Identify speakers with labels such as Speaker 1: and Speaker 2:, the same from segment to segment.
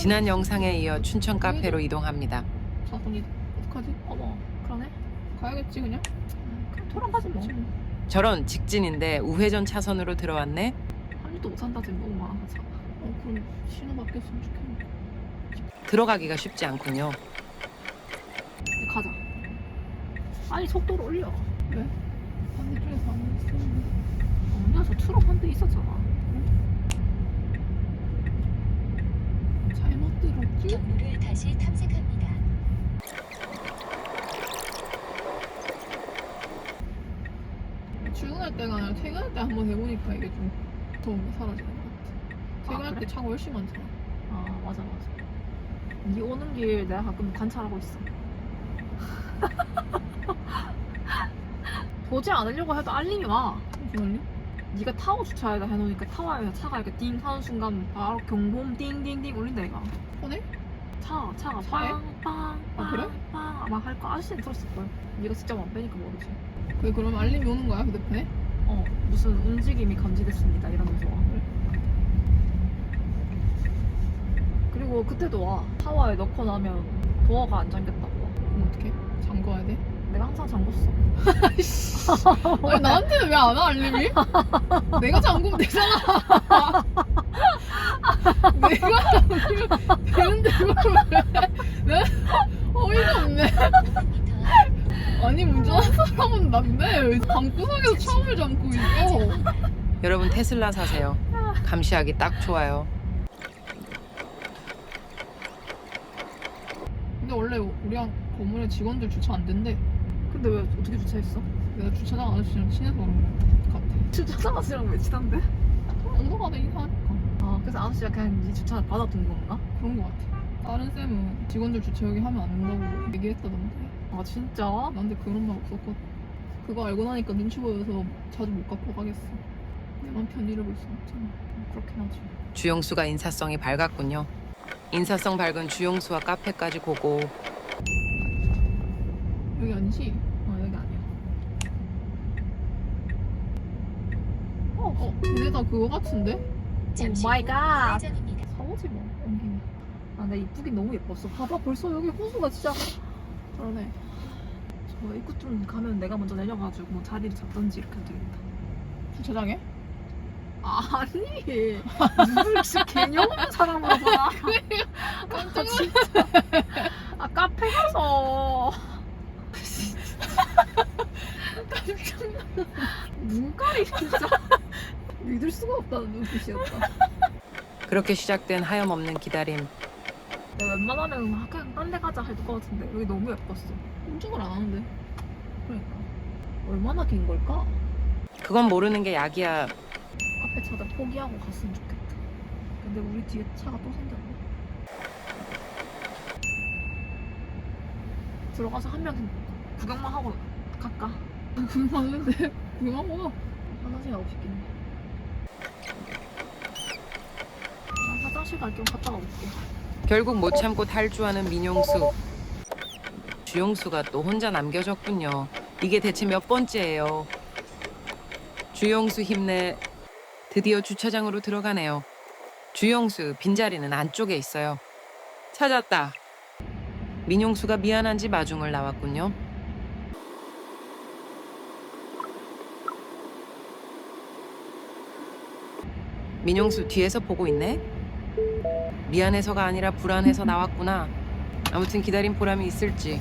Speaker 1: 지난 영상에 이어 춘천 카페로 이동합니다.
Speaker 2: 자손이 어떡하지? 어머 그러네. 가야겠지 그냥. 그냥 돌아가지 뭐.
Speaker 1: 저런 직진인데 우회전 차선으로 들어왔네.
Speaker 2: 한 입도 못 산다지 너무 많아서. 그럼 신호 바뀌었으면 좋겠네.
Speaker 1: 들어가기가 쉽지 않군요.
Speaker 2: 이제 가자. 아니 속도를 올려. 왜? 반대쪽에서 안 쓰는데. 아니야 저 트럭 한 대 있었잖아. 잘못 들었지?
Speaker 3: 경로를 다시 탐색합니다.
Speaker 2: 출근할 때가 아니라 퇴근할 때 한번 해보니까 이게 좀 더움이 사라지는 것 같아. 퇴근할 때 차가 훨씬 많잖아. 아 맞아. 네 오는 길 내가 가끔 관찰하고 있어. 보지 않으려고 해도 알림이 와. 무슨 알림? 네가 타워 주차에다 해놓으니까 타워에서 차가 이렇게 띵 하는 순간 바로 경보음 띵띵띵 울린다 이거. 폰에? 차가
Speaker 4: 차에?
Speaker 2: 빵빵
Speaker 4: 아, 그래?
Speaker 2: 빵 아마 할 거 아저씨는 들었을걸. 네가 직접 안 빼니까 모르지.
Speaker 4: 그게 그러면 알림이 오는 거야 휴대폰에?
Speaker 2: 무슨 움직임이 감지됐습니다 이러면서 와. 그리고 그때도 와. 타워에 넣고 나면 도어가 안 잠겼다고 와.
Speaker 4: 그럼 어떡해? 잠궈야 돼?
Speaker 2: 내가 항상 잠궜어.
Speaker 4: 아니 나한테는 왜 안 와 알림이? 내가 잠그면 되잖아. 내가 잠그면 되는데 그걸 왜? 네? 어이가 없네. 아니 운전하는 사람은 난데 왜 방구석에서 차를 잠고 있어?
Speaker 1: 여러분 테슬라 사세요. 감시하기 딱 좋아요.
Speaker 4: 근데 원래 우리랑 건물에 직원들 주차 안 된대.
Speaker 2: 근데 왜 어떻게 주차했어?
Speaker 4: 내가 주차장 아저씨랑 친해서 그런 것 같아.
Speaker 2: 주차장 아저씨랑 왜 친한데?
Speaker 4: 언더가다 인사하니까
Speaker 2: 그래서 아저씨가 그냥 네 주차 받아둔 건가?
Speaker 4: 그런 것 같아. 다른 쌤은 직원들 주차 여기 하면 안 된다고 얘기했다던데.
Speaker 2: 아 진짜?
Speaker 4: 나한테 그런 말 없었거든. 그거 알고 나니까 눈치 보여서 자주 못 갖고 가겠어. 내만 편의를 볼 수 없잖아.
Speaker 2: 그렇긴 하지.
Speaker 1: 주용수가 인사성이 밝았군요. 인사성 밝은 주용수와 카페까지 고고.
Speaker 4: 여기 아니지?
Speaker 2: 여기 아니야.
Speaker 4: 근데 다 그거 같은데?
Speaker 3: 잠시 후
Speaker 2: 마이 갓.
Speaker 3: 회전입니다.
Speaker 2: 사오지 뭐 옮기면. 근데 이쁘긴 너무 예뻤어. 봐봐 벌써 여기 호수가 진짜.
Speaker 4: 그러네.
Speaker 2: 저 입구 좀 가면 내가 먼저 내려가지고 뭐 자리를 잡던지 이렇게 하면 되겠다.
Speaker 4: 주차장에?
Speaker 2: 아니 누굴 진짜 개념 없는 사람으로 봐. 깜짝 진짜. 카페 가서 눈깔이 진짜 믿을 수가 없다는 눈빛이었다.
Speaker 1: 그렇게 시작된 하염없는 기다림.
Speaker 2: 내가 웬만하면 그냥 딴 데 가자 할 것 같은데 여기 너무 예뻤어.
Speaker 4: 꼼짝을 안 하는데.
Speaker 2: 그러니까 얼마나 긴 걸까?
Speaker 1: 그건 모르는 게 약이야.
Speaker 2: 카페 차들 포기하고 갔으면 좋겠다. 근데 우리 뒤에 차가 또 생겼네. 들어가서 한 명 구경만 하고 갈까?
Speaker 4: 그만하는데 그만 와.
Speaker 2: 화장실 가고 싶긴 해. 나 화장실 갈 겸 갔다가 올게.
Speaker 1: 결국 못 참고 탈주하는 민용수. 주용수가 또 혼자 남겨졌군요. 이게 대체 몇 번째예요. 주용수 힘내. 드디어 주차장으로 들어가네요. 주용수 빈자리는 안쪽에 있어요. 찾았다. 민용수가 미안한지 마중을 나왔군요. 민용수 뒤에서 보고 있네. 미안해서가 아니라 불안해서 나왔구나. 아무튼 기다린 보람이 있을지.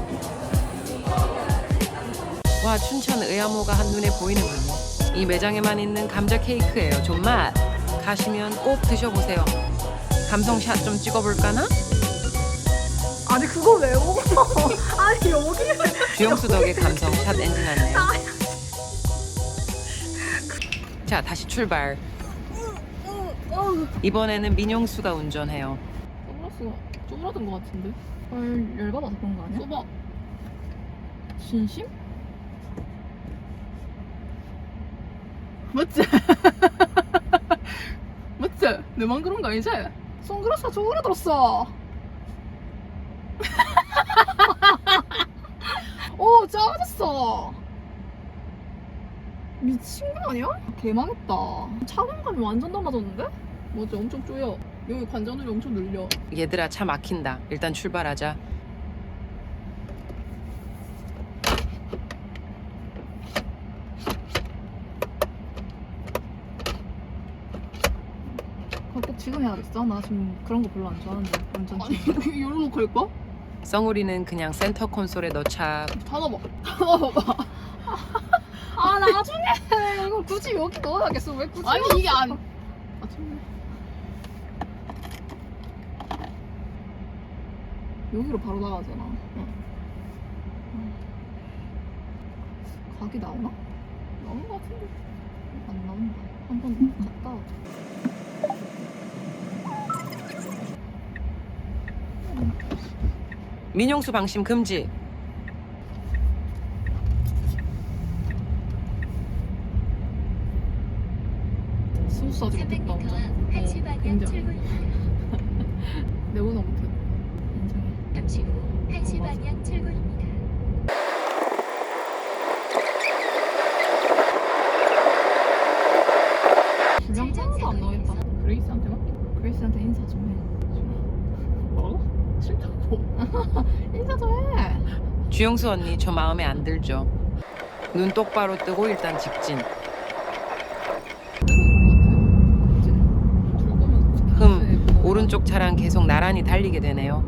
Speaker 1: 와, 춘천 의암호가 한눈에 보이는군요. 이 매장에만 있는 감자 케이크예요. 존맛. 가시면 꼭 드셔보세요. 감성샷 좀 찍어볼까나?
Speaker 2: 아니 그거 왜 먹어? 아니 여기를
Speaker 1: 주영수 덕에 감성샷 엔진 났네요. 자, 다시 출발. 이번에는 민용수가 운전해요.
Speaker 4: 선글라스가 쪼그라든 것 같은데.
Speaker 2: 열받아서 그런 거 아니야?
Speaker 4: 써봐. 진심? 맞지? 맞지? 내만 그런 거 아니지? 선글라스가 쪼그라들었어. 작아졌어. 미친 거 아니야? 개망했다. 착용감이 완전 달라졌는데? 맞아, 엄청 쪼여. 여기 관전율이 엄청 늘려.
Speaker 1: 얘들아 차 막힌다. 일단 출발하자.
Speaker 2: 그거 꼭 지금 해야겠어? 나 지금 그런 거 별로 안 좋아하는데 운전
Speaker 4: 아니
Speaker 2: 중.
Speaker 4: 여기 열로 갈까?
Speaker 1: 썽우리는 그냥 센터 콘솔에 넣자.
Speaker 4: 닫아봐. 닫아봐.
Speaker 2: 아 나중에 이걸 굳이 여기 넣어야겠어. 왜 굳이?
Speaker 4: 아니 이게 안. 아 참.
Speaker 2: 여기로 바로 나가잖아. 각이 나오나?
Speaker 4: 나온 거 같은데.
Speaker 2: 안 나온다. 한번 갔다 오자.
Speaker 1: 민용수 방심 금지.
Speaker 2: 스무스 아직 못했다.
Speaker 3: 300m 앞 1시 방향
Speaker 2: 인정.
Speaker 3: 출구입니다.
Speaker 2: 내보다 못해. 인정해.
Speaker 3: 잠시 후 1시
Speaker 2: 맞아.
Speaker 3: 방향 출구입니다.
Speaker 2: 분량 하나도 안 나오겠다.
Speaker 4: 그레이스한테 맡겨.
Speaker 2: 그레이스한테 인사 좀 해.
Speaker 4: 뭐라고? 싫다고.
Speaker 2: 인사 좀 해.
Speaker 1: 주영수 언니 저 마음에 안 들죠. 눈 똑바로 뜨고 일단 직진.
Speaker 2: 그치?
Speaker 1: 오른쪽 차랑 계속 나란히 달리게 되네요.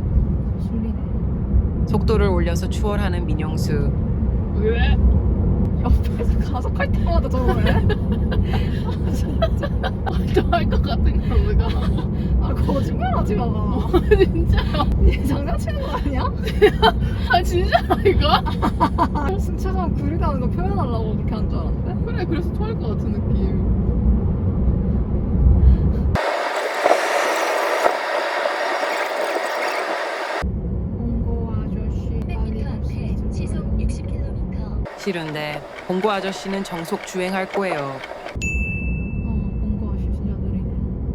Speaker 2: 술리네.
Speaker 1: 속도를 올려서 추월하는 민용수.
Speaker 4: 왜?
Speaker 2: 옆에서 가속할 때마다 저러네.
Speaker 4: 안좋아할 것 같은 거 왜가?
Speaker 2: 아 거짓말하지 마.
Speaker 4: 진짜?
Speaker 2: 얘 장난치는 거 아니야?
Speaker 4: 아 진짜라니까?
Speaker 2: 승차감 구리다는 거 표현하려고 그렇게 한 줄 알았는데?
Speaker 4: 그래 그래서 토할 것 같은 느낌.
Speaker 2: 홍고 아저씨
Speaker 3: 100m 앞에 시속 60km.
Speaker 1: 싫은데 봉고 아저씨는 정속 주행할 거예요.
Speaker 2: 홍고 아저씨 진짜 느리네.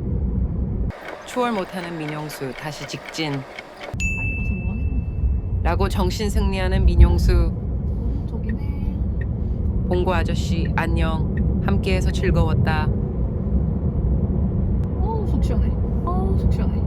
Speaker 1: 추월 못하는 민용수 다시 직진.
Speaker 2: 빨리 가서 뭐 하겠노?
Speaker 1: 라고 정신 승리하는 민용수.
Speaker 2: 저기네.
Speaker 1: 봉고 아저씨 안녕. 함께해서 즐거웠다.
Speaker 2: 어우 속 시원해. 어우 속 시원해.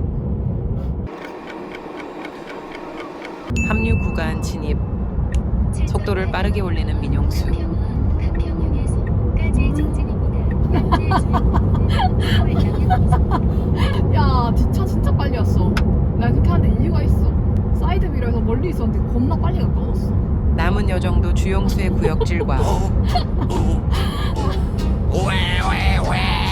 Speaker 1: 합류 구간 진입. 속도를 빠르게 올리는 민용수.
Speaker 3: 가평역에서까지 직진입니다. 현재 주행거리는
Speaker 2: 야 뒷차 진짜 빨리 왔어. 나 그렇게 하는데 이유가 있어. 사이드 미러에서 멀리 있었는데 겁나 빨리 가까웠어.
Speaker 1: 남은 여정도 주영수의 구역질과
Speaker 5: 왜